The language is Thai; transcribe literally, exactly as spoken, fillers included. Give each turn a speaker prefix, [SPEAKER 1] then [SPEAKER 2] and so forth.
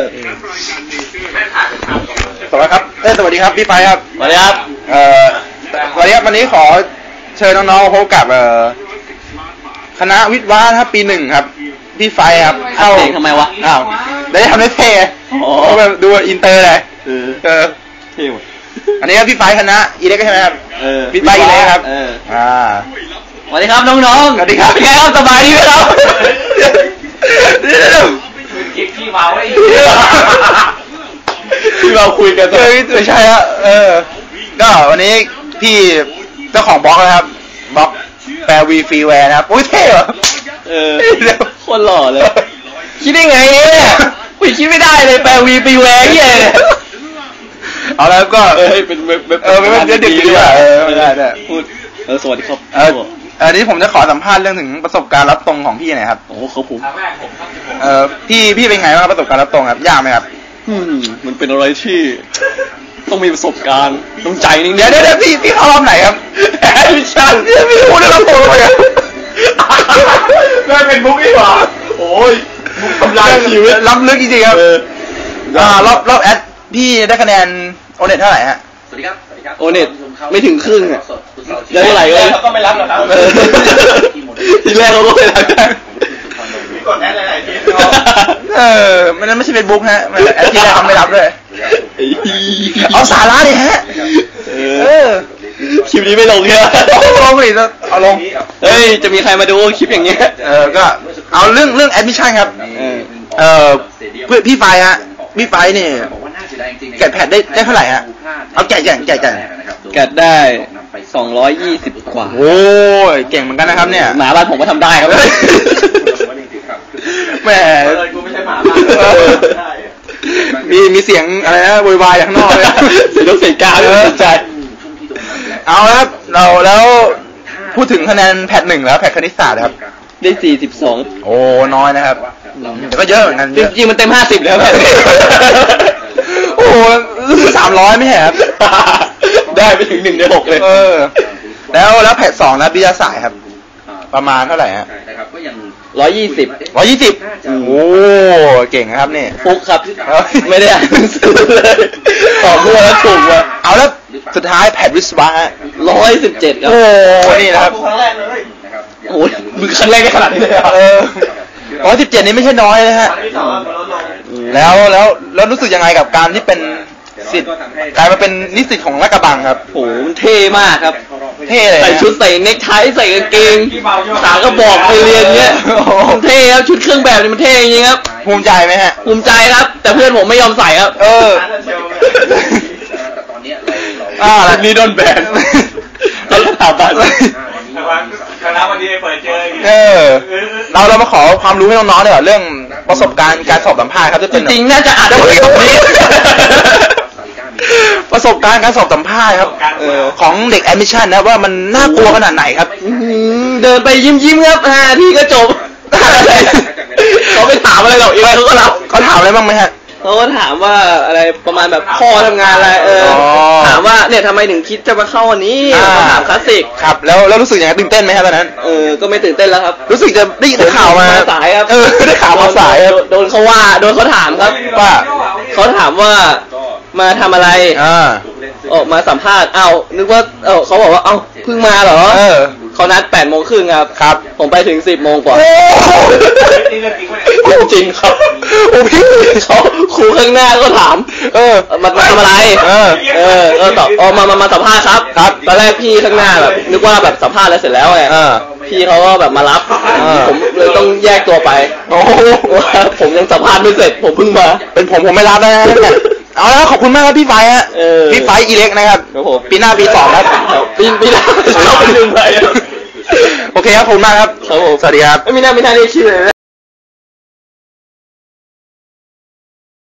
[SPEAKER 1] สวัสดีครับเอ้สวัสดีครับพี่ไฟครับ
[SPEAKER 2] สวัสดีครับ
[SPEAKER 1] เอ่อสวัสดีครับวันนี้ขอเชิญน้องๆพบกับเอ่อคณะวิทย์วะครับปีหนึ่งครับพี่ไฟครับ
[SPEAKER 2] เข้าเองทำไมวะ
[SPEAKER 1] อ้าวได้ทำได้เท่อ๋อแบบดูอินเตอร์เลยเออเออ
[SPEAKER 2] เท่หมด
[SPEAKER 1] อันนี้ครับพี่ไฟคณะอีเล็กใช่ไหมครับ
[SPEAKER 2] เออ
[SPEAKER 1] พี่ไฟอีเล็กครับ
[SPEAKER 2] เออ
[SPEAKER 1] อ่า
[SPEAKER 2] สวัสดีครับน้องๆ
[SPEAKER 1] สวัสดีครับ
[SPEAKER 2] เป็นไงครับสบายดีไหมครับ
[SPEAKER 3] พี่เมาไอ้
[SPEAKER 1] ที่เราคุยกันเออไม่ใช่ฮะเออก็วันนี้พี่เจ้าของบล็อกนะครับบล็อกแปลวีฟรีแวร์นะครับโอ้ยเท่เหรอ
[SPEAKER 2] เออคนหล่อเลยคิดได้ไงเนี่ยกูคิดไม่ได้เลยแปลวีฟรีแวร์เหี้ย
[SPEAKER 1] เอาแล้วก็
[SPEAKER 2] เออเป็นเว็บเว็บ
[SPEAKER 1] เออเป็นเว็บเด็กดีกว่าเออได้ได้
[SPEAKER 2] พูดเออสวัสดีครับ
[SPEAKER 1] เอออันนี้ผมจะขอสัมภาษณ์เรื่องถึงประสบการณ์รับตรงของพี่หน่อยครับ
[SPEAKER 2] โอ้ครับผม
[SPEAKER 1] เออพี่พี่เป็นไงบ้างประสบการณ์รับตรงครับยากไหมครับ
[SPEAKER 2] อืมมันเป็นอะไรที่ต้องมีประสบการณ์ต้องใจนิ่ง
[SPEAKER 1] เดี๋ยวเดี๋ยวพี่พี่เข้ารอบไหนครับแอดมิชชั่นพี่พี่พูดเรื่องรับตรงเลยครับ
[SPEAKER 3] ไม่เป็นบุ๊กอีกเหรอโอ้ย
[SPEAKER 1] ทำลายชีวิตล้ำลึกจริงๆครับอ่ารอบรอบแอดพี่ได้คะแนนโอเน็ตเท่าไหร่ฮะ
[SPEAKER 3] สวัสดีครับสวัสดีครับ
[SPEAKER 2] โอเน็ตไม่ถึงครึ่งอ่ะได้เท่าไหร่เลย
[SPEAKER 3] เขาก็ไม่รับหรอกครับ
[SPEAKER 2] ทีแรกเขาก็ไม่รับ
[SPEAKER 3] กดแอดหลายๆที
[SPEAKER 1] เออมันไม่ใช่เฟซบุ๊กฮะมันแอดที่แรกเขาไม่รับเลยเอาสาระดิฮะเออ
[SPEAKER 2] คลิปนี้ไม่ลงเนี่ย
[SPEAKER 1] ลงเลยเอาลง
[SPEAKER 2] เฮ้ยจะมีใครมาดูคลิปอย่างเงี้ย
[SPEAKER 1] เออก็เอาเรื่องเรื่องแอดมิชชั่นครับเออเพื่อพี่ไฟฮะพี่ไฟเนี่ยแกะแพดได้ได้เท่าไหร่ฮะเอาแกะแกะแกะแกะ
[SPEAKER 2] แกะได้สองร้อยยี่สิบกว่า
[SPEAKER 1] โอ้ยเก่งเหมือนกันนะครับเนี่ย
[SPEAKER 2] หมาบ้านผมก็ทำได้ครับ
[SPEAKER 1] แหม
[SPEAKER 3] กูไม่ใช่หมาบ้าน
[SPEAKER 1] มีมีเสียงอะไรนะโวยวายข้างนอกเลย
[SPEAKER 2] เสียงเสียงกาเลยใจ
[SPEAKER 1] เอาละครับเราแล้วพูดถึงคะแนนแพทหนึ่งแล้วแพทคณิตศาสตร์ครับ
[SPEAKER 2] ได้สี่สิบสอง
[SPEAKER 1] โอ้น้อยนะครับแต่ก็เยอะเหมือนกัน
[SPEAKER 2] จริงๆมันเต็มห้าสิบแล้วแพท
[SPEAKER 1] โอ้สามร้อยไม่ใช่ครับ
[SPEAKER 2] ได้ไปถึงหนึ่งในหกเลย
[SPEAKER 1] เออแล้วแล้วแพทสองนะวิทยาศาสตร์ครับประมาณเท่าไหร่ฮะ
[SPEAKER 2] ร้อยยี่สิบ
[SPEAKER 1] ร้อยยี่สิบโอ้เก่งครับนี่
[SPEAKER 2] ฟุกครับไม่ได้อ่านหนังสือเลยตอบมั่วแล้วถูกว่ะ
[SPEAKER 1] เอาแล้วสุดท้ายแพทวิศวะฮะ
[SPEAKER 2] ร้อยสิบเจ็ดครับ
[SPEAKER 1] โอ้นี่นะครับ
[SPEAKER 3] ครั้งแรกเลย
[SPEAKER 2] โอ้ยมือครั้งแรกได้ขนาดนี้เลย
[SPEAKER 1] เออร้อยสิบเจ็ดนี่ไม่ใช่น้อยเลยฮะแล้วแล้วแล้วรู้สึกยังไงกับการที่เป็นสิทธิ์กลายมาเป็นนิสิตของลาดกระบังครับ
[SPEAKER 2] โอ้มันเท่มากครับ
[SPEAKER 1] เท่เลย
[SPEAKER 2] ใส่ชุดใส่เนคไทใส่กางเกงขากระบอกไปเรียนเงี้ยมันเท่ครับชุดเครื่องแบบนี่มันเท่จริงครับ
[SPEAKER 1] ภูมิใจไหมฮะ
[SPEAKER 2] ภูมิใจครับแต่เพื่อนผมไม่ยอมใส่ครับ
[SPEAKER 1] เอออ่าแล้ว
[SPEAKER 2] นี่โดนแบนแล้วถามบ้าน
[SPEAKER 3] คณะวันนี้เปิดเจอ
[SPEAKER 1] เออเราเรามาขอความรู้ให้น้องๆหน่อยเรื่องประสบการณ์การสอบสัมภาษณ์ครับ
[SPEAKER 2] จริงๆน่าจะอ่านได้หมดนี้
[SPEAKER 1] ประสบการณ์การสอบสัมภาษณ์ครับของเด็กแอดมิชชั่นนะว่ามันน่ากลัวขนาดไหนครับ
[SPEAKER 2] เดินไปยิ้มยิ้มครับห้าทีก็จบเขาไปถามอะไรหรอกเองเขาก็รับ
[SPEAKER 1] เขาถามอะไรบ้างไหมฮะ
[SPEAKER 2] เขาก็ถามว่าอะไรประมาณแบบพ่อทำงานอะไรเออถามว่าเนี่ยทำไมถึงคิดจะมาเข้าวันนี้ถามคลาสสิก
[SPEAKER 1] ครับแล้วแล้วรู้สึกยังไงตื่นเต้นไหมครับตอนนั้น
[SPEAKER 2] เออก็ไม่ตื่นเต้นแล้วครับ
[SPEAKER 1] รู้สึกจะได้ได้ข่าวมา
[SPEAKER 2] สายครับ
[SPEAKER 1] เออได้ข่าวมาสาย
[SPEAKER 2] โดนเขาว่าโดนเขาถามครับ
[SPEAKER 1] ว่า
[SPEAKER 2] เขาถามว่ามาทำอะไร
[SPEAKER 1] อ่า
[SPEAKER 2] ออกมาสัมภาษณ์เอ้านึกว่าเออเขาบอกว่าเอ้าเพิ่งมาเหรอ
[SPEAKER 1] เออ
[SPEAKER 2] เขานัดแปดโมงครึ่งครับ
[SPEAKER 1] ครับ
[SPEAKER 2] ผมไปถึงสิบโมงกว่าจริงครับ
[SPEAKER 1] โอ้พี่
[SPEAKER 2] เขาครูข้างหน้าก็ถาม
[SPEAKER 1] เออ
[SPEAKER 2] มาทำอะไร
[SPEAKER 1] เออ
[SPEAKER 2] เออเออตอบอ๋อมามามาสัมภาษณ์ครับ
[SPEAKER 1] ครับ
[SPEAKER 2] ตอนแรกพี่ข้างหน้าแบบนึกว่าแบบสัมภาษณ์แล้วเสร็จแล้วไงพี่เขาก็แบบมารับผมเลยต้องแยกตัวไป
[SPEAKER 1] โอ้
[SPEAKER 2] ผมยังสัมภาษณ์ไม่เสร็จผมเพิ่งมา
[SPEAKER 1] เป็นผมผมไม่รับนะเนี่ยเอาแล้วขอบคุณมากครับพี่ไฟฮะพี่ไฟอีเล็กนะครับปีหน้าปีสองครับ
[SPEAKER 2] ปีปีหน้าเข้าไปหนึ่งไป
[SPEAKER 1] โอเคครับขอบคุณมากครับ
[SPEAKER 2] ครับผม
[SPEAKER 1] สวัสดีครับ
[SPEAKER 2] ไม่มีหน้าไม่ทันได้ชื่อเลย